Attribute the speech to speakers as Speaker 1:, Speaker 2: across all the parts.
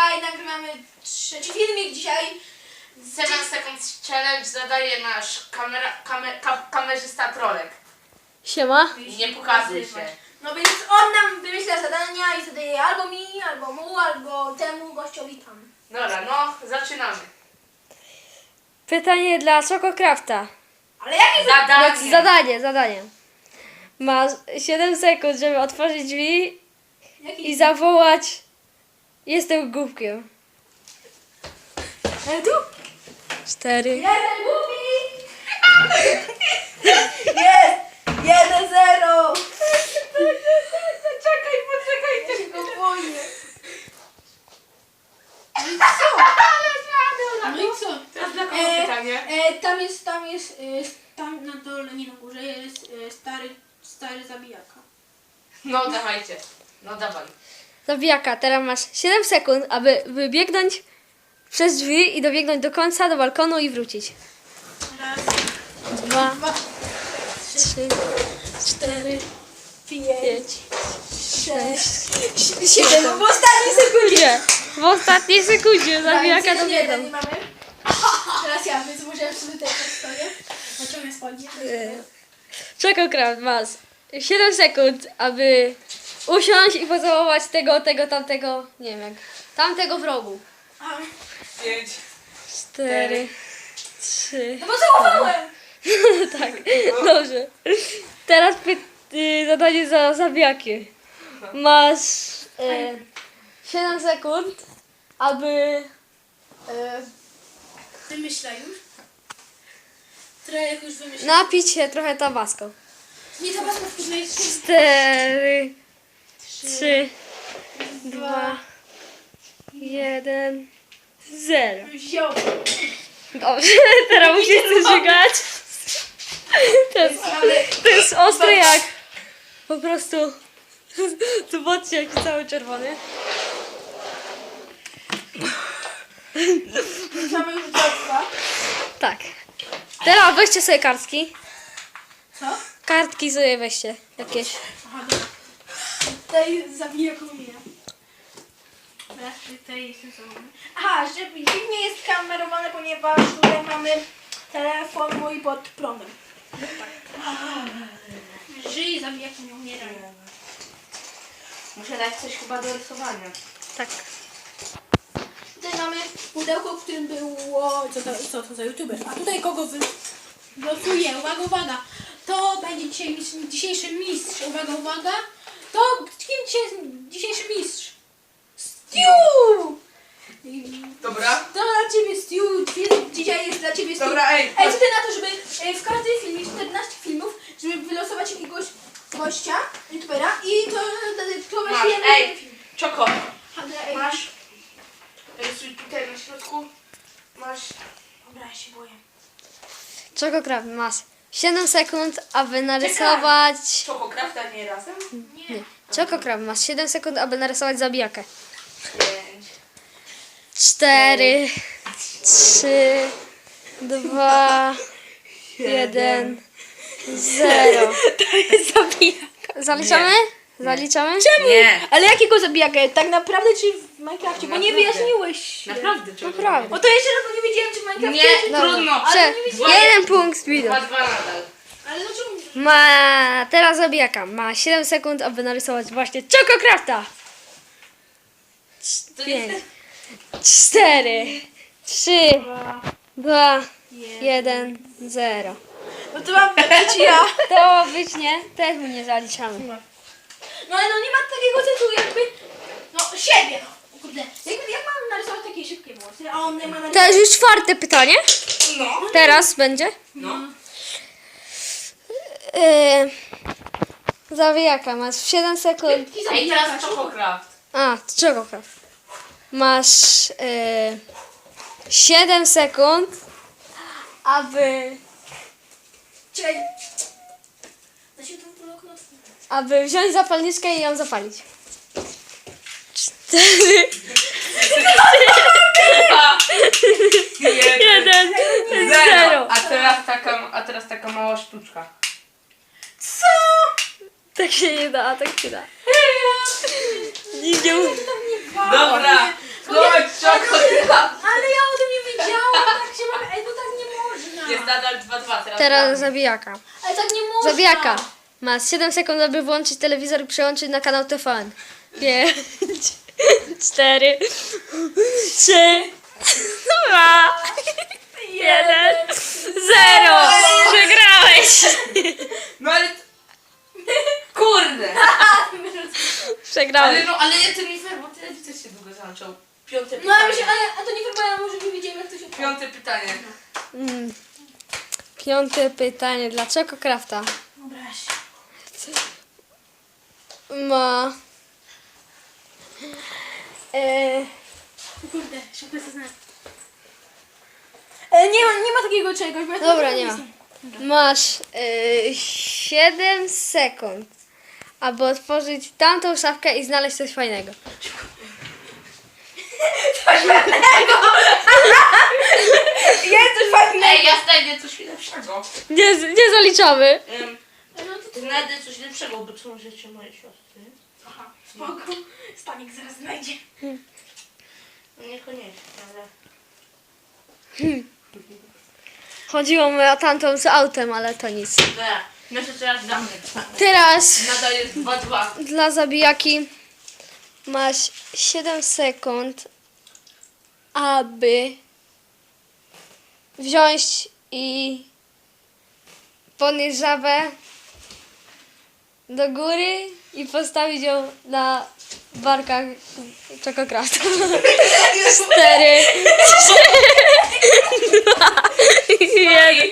Speaker 1: Dzisiaj nagrywamy trzeci filmik. Dzisiaj
Speaker 2: 7 Seconds Challenge zadaje nasz kamerzysta Trolek.
Speaker 3: Siema.
Speaker 2: Nie pokazuj się.
Speaker 1: No więc on nam wymyśla zadania i zadaje albo mi, albo mu, albo temu gościowi tam.
Speaker 2: Dobra, no zaczynamy.
Speaker 3: Pytanie dla Chococrafta.
Speaker 1: Ale jakie
Speaker 3: Zadanie. Masz 7 sekund, żeby otworzyć drzwi
Speaker 1: Jaki?
Speaker 3: i zawołać: jestem głupkiem.
Speaker 1: Ale tu?
Speaker 3: 4.
Speaker 1: Jeden głupi! Jest! 1-0!
Speaker 2: Poczekaj.
Speaker 1: Ja się go boję. No i co?
Speaker 2: Teraz dla kogo pytanie?
Speaker 1: Tam na dole, nie na górze jest stary zabijaka.
Speaker 2: No dawajcie. No dawaj.
Speaker 3: Zabijaka, teraz masz 7 sekund, aby wybiegnąć przez drzwi i dobiegnąć do końca, do balkonu i wrócić.
Speaker 1: Raz,
Speaker 3: 2,
Speaker 1: dwa,
Speaker 3: 3, 4,
Speaker 1: 5,
Speaker 3: 6,
Speaker 1: 7. W ostatniej sekundzie.
Speaker 3: W ostatniej sekundzie zabijaka dobiegną.
Speaker 1: Nie mamy. Teraz ja, więc muszę sobie też stoję. Naciągnę spodnie.
Speaker 3: Chococraft, masz 7 sekund, aby usiąść i pocałować tego, tamtego, nie wiem jak, tamtego w rogu.
Speaker 1: A,
Speaker 2: 5.
Speaker 3: 4, 3,
Speaker 1: no bo całowałem!
Speaker 3: tak, dobrze. Teraz zadanie za zabijaki. Masz 7 sekund, aby
Speaker 1: Wymyśla już. Trochę już wymyśla.
Speaker 3: napić się trochę tabasco.
Speaker 1: Nie to was na jest
Speaker 3: 4, 3, 2, 1, 0.
Speaker 1: wziął.
Speaker 3: Dobrze, teraz musisz coś żygać. To jest ostre jak po prostu. Zobaczcie jaki cały czerwony.
Speaker 1: Mamy już dwa.
Speaker 3: Tak. Teraz weźcie sobie kartki.
Speaker 1: Co?
Speaker 3: Kartki sobie weźcie jakieś.
Speaker 1: Aha, dobra. Tutaj zabija komunię. Teraz tutaj jest sensowny. Aha, że dziwnie jest kamerowane, ponieważ tutaj mamy telefon mój pod prądem. Żyj, zabija komunię, umieraj.
Speaker 2: Muszę dać coś chyba do rysowania.
Speaker 3: Tak.
Speaker 1: Tutaj mamy pudełko, w którym było... Co to za youtuber? A tutaj kogo wylosuje? Uwaga. To będzie dzisiejszy mistrz. Uwaga. To kim dzisiaj jest dzisiejszy mistrz? Stew!
Speaker 2: Dobra.
Speaker 1: To dla ciebie Stew. Dzisiaj jest dla ciebie Stew.
Speaker 2: Dobra, ej.
Speaker 1: Ej, co ty na to, żeby w każdym filmie 14 filmów, żeby wylosować jakiegoś gościa, youtubera i to
Speaker 2: Masz,
Speaker 1: weźmiemy...
Speaker 2: ej. Czoko.
Speaker 1: Ej.
Speaker 2: Masz. Rysuj tutaj na środku. Masz.
Speaker 1: Dobra, ja się boję.
Speaker 3: Chococraft, masz 7 sekund, aby narysować...
Speaker 2: Chococraft, a nie razem?
Speaker 1: Nie.
Speaker 3: Chococraft, masz 7 sekund, aby narysować zabijakę.
Speaker 2: 5.
Speaker 3: 4, 3, 2, 1, 0.
Speaker 1: To jest zabijaka.
Speaker 3: Zaliczamy?
Speaker 2: Nie.
Speaker 3: Zaliczamy?
Speaker 2: Nie.
Speaker 1: Ale jakiego zabijakę? Tak naprawdę czy w Minecrafcie? Bo nie
Speaker 2: Naprawdę.
Speaker 1: wyjaśniłeś.
Speaker 2: Naprawdę, czego?
Speaker 3: Naprawdę.
Speaker 1: Bo to jeszcze raz, bo nie wiedziałem czy w Minecrafcie
Speaker 2: Nie,
Speaker 1: czy...
Speaker 3: Dobra.
Speaker 2: trudno.
Speaker 1: Ale nie wiedziałem.
Speaker 3: 1 punkt speedu.
Speaker 2: 2-2 nadal.
Speaker 1: Ale no czemu?
Speaker 3: Ma teraz zabijaka. Ma 7 sekund, aby narysować właśnie Chococrafta.
Speaker 2: To
Speaker 3: 5,
Speaker 2: jest...
Speaker 3: 4, 3, 2, 1, 0.
Speaker 1: No to mam być ja.
Speaker 3: To ma być nie? Też mu nie zaliczamy.
Speaker 1: No ale no nie ma takiego tytułu jakby... No siebie. No. Kurde. Jak mam narysować takie szybkie włosy? A on nie ma
Speaker 3: To
Speaker 1: narysować...
Speaker 3: jest już 4 pytanie.
Speaker 2: No.
Speaker 3: Teraz będzie.
Speaker 2: No.
Speaker 3: Zawijaka, masz 7 sekund.
Speaker 2: Ej, teraz Chococraft.
Speaker 3: A, Chococraft. Masz 7 sekund, aby
Speaker 1: Da się to okno?
Speaker 3: wziąć zapalniczkę i ją zapalić. 4, 1, 0.
Speaker 2: A teraz taka mała sztuczka.
Speaker 1: Co?
Speaker 3: Tak się nie da, tak się da. Nie,
Speaker 2: Dobra. Chodź.
Speaker 3: Teraz zabijaka.
Speaker 1: Ale tak nie można.
Speaker 3: Zabijaka. Masz 7 sekund, aby włączyć telewizor i przełączyć na kanał TVN. 5, 4, 3, 2, 1, 0. Przegrałeś.
Speaker 2: No ale... Kurde!
Speaker 3: Przegrałeś.
Speaker 2: Ale ja to nie fair, bo telewizor się długo zaczął. Piąte
Speaker 1: No ale,
Speaker 2: pytanie.
Speaker 1: a to nie wygląda, może nie wiedziałem jak to się
Speaker 2: Piąte pytanie.
Speaker 3: Piąte pytanie. Dlaczego Crafta
Speaker 1: Wyobraź.
Speaker 3: ma...
Speaker 1: Kurde, szybko to znam. Nie ma takiego czegoś. Bo ja
Speaker 3: Dobra,
Speaker 1: to
Speaker 3: nie ma. Masz 7 sekund, aby otworzyć tamtą szafkę i znaleźć coś fajnego.
Speaker 1: Jest coś fajnego.
Speaker 2: Ej, ja znajdę coś lepszego.
Speaker 3: Nie zaliczamy.
Speaker 1: No to
Speaker 2: Znajdę coś lepszego, bo to są rzeczy mojej siostry.
Speaker 1: Aha, spoko. Stanik zaraz znajdzie.
Speaker 2: No niekoniecznie, ale...
Speaker 3: Chodziło mi o tamtą z autem, ale to nic.
Speaker 2: No to teraz damy.
Speaker 3: Teraz
Speaker 2: Nadal jest 2-2.
Speaker 3: dla zabijaki masz 7 sekund, aby wziąć i podnieść żabę do góry i postawić ją na barkach Czokokrafta. 4, 3, 2, 1.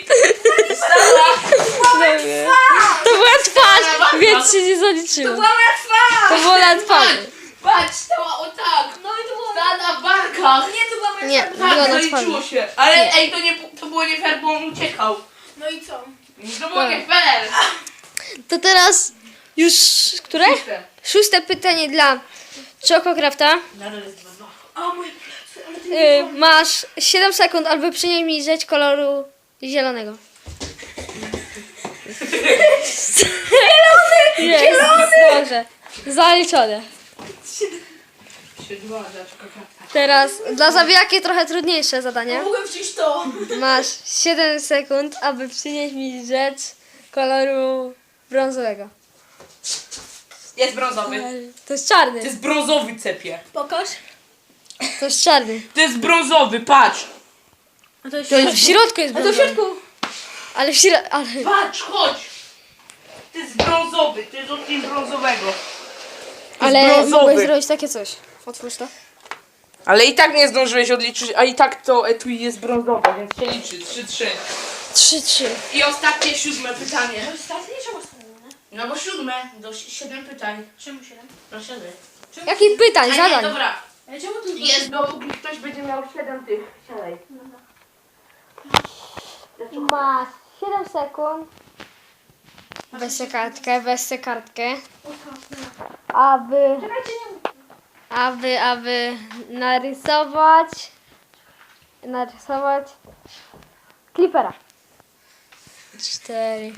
Speaker 3: To była twarz, więc się nie zaliczyło.
Speaker 1: Była łatwa!
Speaker 3: To było na twarzy.
Speaker 2: Patrz, stała o tak.
Speaker 1: No i to było...
Speaker 2: Stała na barkach.
Speaker 1: Nie, to była moja
Speaker 3: Nie.
Speaker 1: twarz.
Speaker 3: Było
Speaker 2: Tak,
Speaker 3: na
Speaker 2: zaliczyło
Speaker 3: twarzy.
Speaker 2: się. Ale ej, to było nie fair, bo on uciekał.
Speaker 1: No i co?
Speaker 2: To było nie fair.
Speaker 3: To teraz już które? Szóste pytanie dla Czokokrafta.
Speaker 2: Nadal jest 2-2.
Speaker 1: O, moje plecy, ale ty nie
Speaker 3: Masz 7 sekund, aby przynieść mi rzecz koloru zielonego. Zielony! Dobrze. Zaliczone.
Speaker 2: 3-2 dla Czokokrafta.
Speaker 3: Teraz dla zabijaki trochę trudniejsze zadanie.
Speaker 1: mogłem wziąć to.
Speaker 3: Masz 7 sekund, aby przynieść mi rzecz koloru brązowego.
Speaker 2: Jest brązowy.
Speaker 3: To jest
Speaker 2: To
Speaker 3: czarny.
Speaker 2: jest brązowy, cepie.
Speaker 1: Pokaż.
Speaker 3: To jest czarny.
Speaker 2: To jest brązowy, patrz.
Speaker 1: A to jest...
Speaker 3: W środku jest
Speaker 1: A to w
Speaker 3: brązowy.
Speaker 1: środku.
Speaker 3: Ale w środku... Ale...
Speaker 2: Patrz, chodź. To jest brązowy, to jest odcień brązowego.
Speaker 3: Ale
Speaker 2: brązowy.
Speaker 3: mogłeś zrobić takie coś. Otwórz to.
Speaker 2: Ale i tak nie zdążyłeś odliczyć, a i tak to etui jest brązowe, więc się liczy. 3-3.
Speaker 3: 3-3.
Speaker 2: I ostatnie 7 pytanie.
Speaker 1: Ostatnie czy ostatnie?
Speaker 2: No bo 7, do 7 pytań.
Speaker 1: Czemu 7?
Speaker 2: No 7.
Speaker 3: Jakich pytań,
Speaker 2: A nie,
Speaker 3: zadań?
Speaker 2: dobra.
Speaker 1: Ale czemu tu
Speaker 2: Jest, dopóki ktoś będzie miał 7 tych. Siadaj.
Speaker 3: Masz 7 sekund. Weź tę kartkę. Aby
Speaker 1: Czekajcie, nie
Speaker 3: narysować Clippera. 4,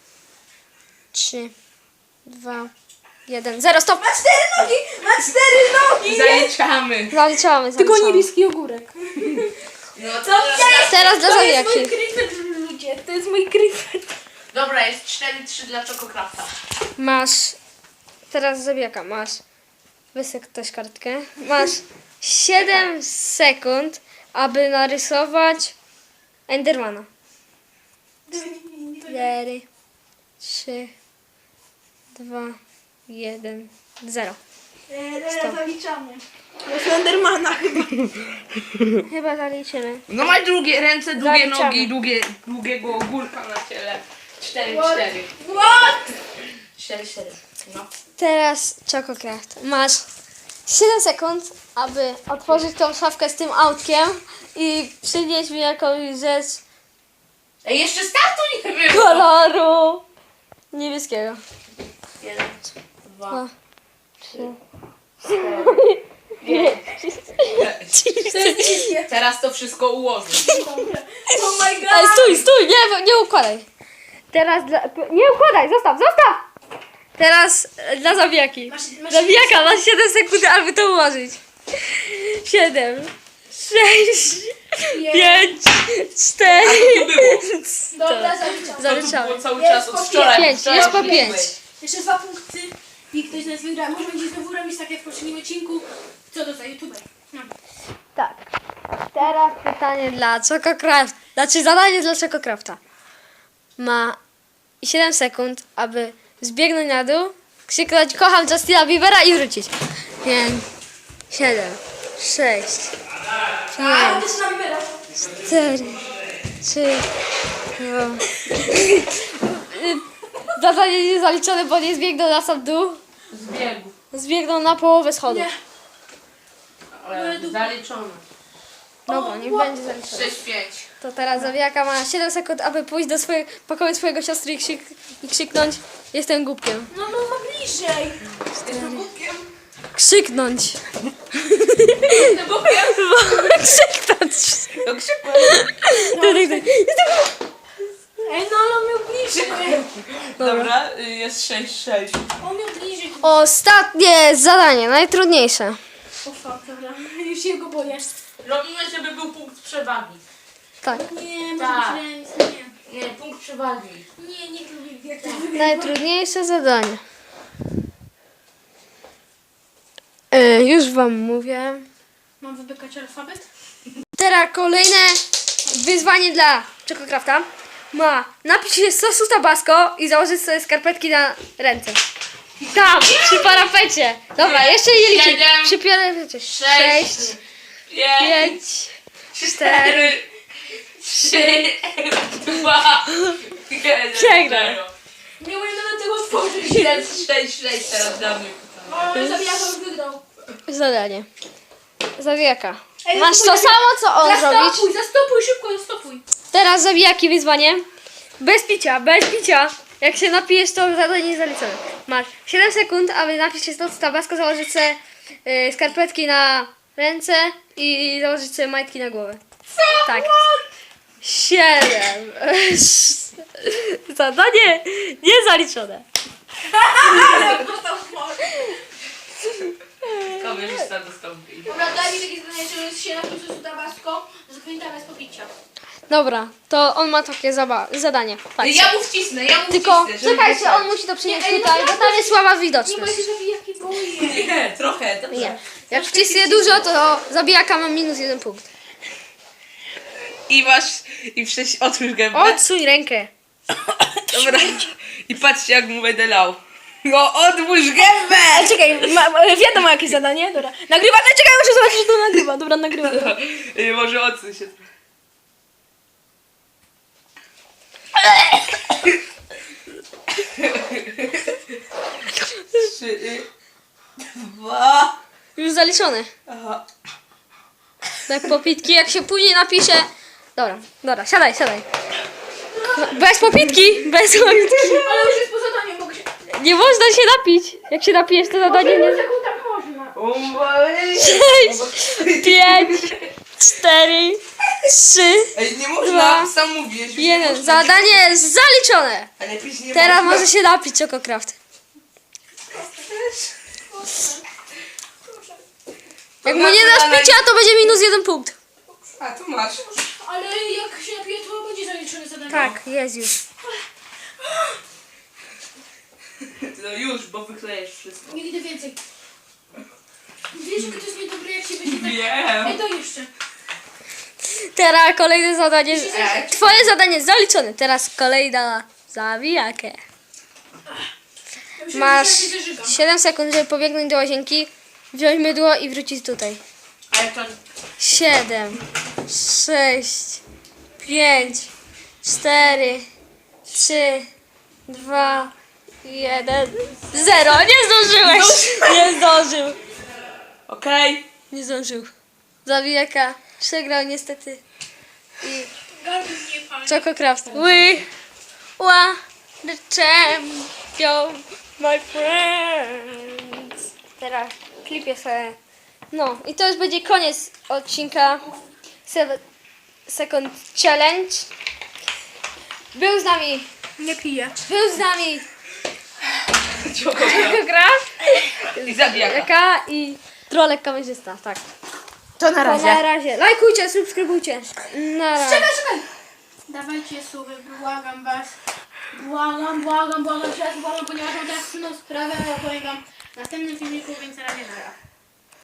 Speaker 3: 3, 2, 1, 0, stop!
Speaker 1: Ma 4 nogi! Ma 4 nogi!
Speaker 2: Zaliczamy.
Speaker 3: Zaliczamy.
Speaker 1: niebieski ogórek.
Speaker 2: No to teraz...
Speaker 3: Teraz dla
Speaker 1: To jest mój
Speaker 3: zabijaki.
Speaker 1: kryfet, ludzie. To jest mój kryfet.
Speaker 2: Dobra, jest 4-3 dla Czokokrafta.
Speaker 3: Masz. Teraz zabijaka. Masz. Wysek też kartkę. Masz 7 sekund, aby narysować Endermana. 4, 3, 2, 1, 0.
Speaker 1: Zaliczamy. Do Slendermana chyba.
Speaker 3: Chyba zaliczymy.
Speaker 2: No ma długie ręce, długie
Speaker 3: Zaliczamy.
Speaker 2: nogi, długiego ogórka na ciele. 4-4.
Speaker 1: What?
Speaker 2: 4-4. No.
Speaker 3: Teraz Czokokraft. Masz 7 sekund, aby otworzyć tą szafkę z tym autkiem i przynieść mi jakąś rzecz
Speaker 2: Ej, jeszcze startu nie było.
Speaker 3: koloru niebieskiego.
Speaker 2: 1, 2,
Speaker 3: Dwa,
Speaker 2: 3, 4, 5. Teraz to wszystko ułożę.
Speaker 1: Oh my god.
Speaker 3: Ej, stój, nie układaj. Teraz nie układaj, zostaw! Teraz dla zabijaki.
Speaker 1: Masz
Speaker 3: Zabijaka, masz 7 sekund, aby to ułożyć. 7, 6,
Speaker 1: Nie.
Speaker 3: 5,
Speaker 2: A
Speaker 3: 4.
Speaker 2: to nie było.
Speaker 1: Dobra, zaliczam.
Speaker 2: To tu
Speaker 3: Zaliczamy.
Speaker 2: było cały
Speaker 1: Jest
Speaker 2: czas
Speaker 1: po
Speaker 2: od wczoraj.
Speaker 3: 5,
Speaker 2: Wczoraj
Speaker 3: jest po
Speaker 2: były.
Speaker 3: 5.
Speaker 1: Jeszcze 2 punkty i ktoś z nas wygra. Może będzie znowu robić tak jak w poprzednim odcinku. Co to za youtuber? No.
Speaker 3: Tak. Teraz pytanie dla Czokokrafta. Znaczy zadanie dla Czokokrafta. Ma 7 sekund, aby zbiegnąć na dół, krzyknąć kocham Justina Biebera i wrócić. 5, 7, 6,
Speaker 1: A, też na Bibera.
Speaker 3: 4, 3, 2. Zadanie nie zaliczone, bo nie zbiegnął na sam dół.
Speaker 2: Zbiegł.
Speaker 3: Zbiegnął na połowę schodu.
Speaker 1: Nie.
Speaker 2: Ale zaliczone.
Speaker 3: Dobra, niech będzie zaliczone.
Speaker 2: 6-5.
Speaker 3: To teraz Zawijaka ma 7 sekund, aby pójść do pokoju swojego siostry i krzyknąć jestem głupkiem.
Speaker 1: No, no, ma bliżej.
Speaker 2: Jestem głupkiem.
Speaker 3: Krzyknąć.
Speaker 2: Jestem głupkiem.
Speaker 3: Krzyknąć.
Speaker 2: To krzykłem.
Speaker 1: Ej, no, ale on miał bliżej.
Speaker 2: Dobra, jest 6-6.
Speaker 1: On miał bliżej.
Speaker 3: Ostatnie zadanie, najtrudniejsze.
Speaker 1: O fuck, dobra. Już się go boję.
Speaker 2: Robimy, żeby był punkt przewagi.
Speaker 3: Tak.
Speaker 1: Nie, może
Speaker 2: Tak.
Speaker 1: być remis. Nie.
Speaker 2: Nie, punkt przewagi.
Speaker 1: Nie lubię jak to wygląda.
Speaker 3: Najtrudniejsze zadanie. Już wam mówię.
Speaker 1: Mam wybykać alfabet?
Speaker 3: Teraz kolejne wyzwanie dla Czokokrafta. Ma napić się sosu tabasco i założyć sobie skarpetki na ręce. Tam, przy parapecie. Dobra, jeszcze nie liczę.
Speaker 2: 7,
Speaker 3: Przy parapecie.
Speaker 2: 6,
Speaker 3: 5,
Speaker 2: 4, 3, 2, 1.
Speaker 3: Przegrał.
Speaker 1: Nie umiem nawet tego otworzyć.
Speaker 2: Jest 6-6 teraz dla mnie.
Speaker 1: O, zabijaka już wygrał.
Speaker 3: zadanie. Zawijaka.
Speaker 1: Ej,
Speaker 3: Masz to
Speaker 1: zastopuj,
Speaker 3: samo, co on zrobić.
Speaker 1: Zastopuj, szybko, zastopuj.
Speaker 3: Teraz zawijaki wyzwanie. Bez picia, bez picia. Jak się napijesz, to zadanie jest zaliczone. Masz 7 sekund, aby napić się sosu tabasco, założyć sobie skarpetki na ręce i założyć sobie majtki na głowę. Co? Tak. 7. Zadanie niezaliczone.
Speaker 1: Ale dostał smok.
Speaker 2: Kamerzysta dostąpi.
Speaker 1: Dobra, daj mi takie zdanie, że jest się na tym sosu tabasco, zapamiętam bez popicia.
Speaker 3: Dobra, to on ma takie zadanie. Patrz.
Speaker 2: Ja mu wcisnę,
Speaker 3: Tylko
Speaker 2: wcisnę. żeby
Speaker 3: czekajcie,
Speaker 2: dostać.
Speaker 3: on musi to przynieść
Speaker 1: Nie, ej,
Speaker 3: tutaj, bo
Speaker 1: naprawdę.
Speaker 3: tam jest słaba
Speaker 1: Nie
Speaker 3: widoczność.
Speaker 1: ma się zabijaki boję.
Speaker 2: Nie, trochę, dobrze.
Speaker 3: Nie. Jak wcisnie dużo, to zabijaka ma minus 1 punkt.
Speaker 2: I masz, otwórz gębę.
Speaker 3: Odsuń rękę.
Speaker 2: Dobra. I patrzcie, jak mu będę lał. No, otwórz gębę!
Speaker 1: Czekaj, wiadomo jakie zadanie, dobra. Nagrywa, czekaj, muszę zobaczyć, że to nagrywa. Dobra, nagrywa.
Speaker 2: Może odsuń się trochę. Trzy, 2.
Speaker 3: Już zaliczone.
Speaker 2: Aha.
Speaker 3: Tak popitki, jak się później napisze. Dobra, siadaj. Bez popitki, bez popitki.
Speaker 1: Ale już jest po zadaniu, mogę się...
Speaker 3: Nie można się napić. Jak się napijesz, to zadanie nie...
Speaker 1: Sekund tak można.
Speaker 3: 6, 5, 4, 3,
Speaker 2: Ej, nie
Speaker 3: 2,
Speaker 2: można, sam mówiłeś. już nie
Speaker 3: 1.
Speaker 2: można.
Speaker 3: Zadanie jest zaliczone.
Speaker 2: Ale pić nie
Speaker 3: Teraz
Speaker 2: można.
Speaker 3: może się napić Czokokraft. Jak mu nie dasz picia, to będzie minus 1 punkt.
Speaker 2: A, tu masz.
Speaker 1: Ale jak się napije, to będzie zaliczone zadanie.
Speaker 3: Tak, jest już.
Speaker 2: No już, bo wyklejesz wszystko.
Speaker 1: Nigdy więcej. Wiesz, jak to jest niedobre, jak się będzie tak...
Speaker 2: Wiem.
Speaker 1: Ej, to jeszcze.
Speaker 3: Teraz kolejne zadanie.
Speaker 2: Ej.
Speaker 3: Twoje zadanie jest zaliczone. Teraz kolejna zawijakę.
Speaker 1: Ja myślę,
Speaker 3: Masz
Speaker 1: że ja się zażygam.
Speaker 3: 7 sekund, żeby pobiegnąć do łazienki, wziąć mydło i wrócić tutaj.
Speaker 2: Ale to...
Speaker 3: 7, 6, 5, 4, 3, 2, 1, 0. Nie zdążyłeś! Nie zdążył.
Speaker 2: Okej.
Speaker 3: Nie zdążył. Zawijaka przegrał niestety. I
Speaker 1: Gardło mnie pali.
Speaker 3: Czokokraft. We are the champion, my friends. Teraz klipię sobie. No i to już będzie koniec odcinka 7 Second Challenge. Był z nami Czokokraft
Speaker 2: I zabijaka.
Speaker 3: Jaka i Trolek kamerzysta, tak.
Speaker 2: To na
Speaker 3: To
Speaker 2: razie.
Speaker 3: na razie. Lajkujcie, subskrybujcie. Na razie.
Speaker 1: Czekaj! Dawajcie suby, błagam was. Błagam, ponieważ mam teraz trudną sprawę, ale opowiem wam w następnym filmiku, więc na razie nara.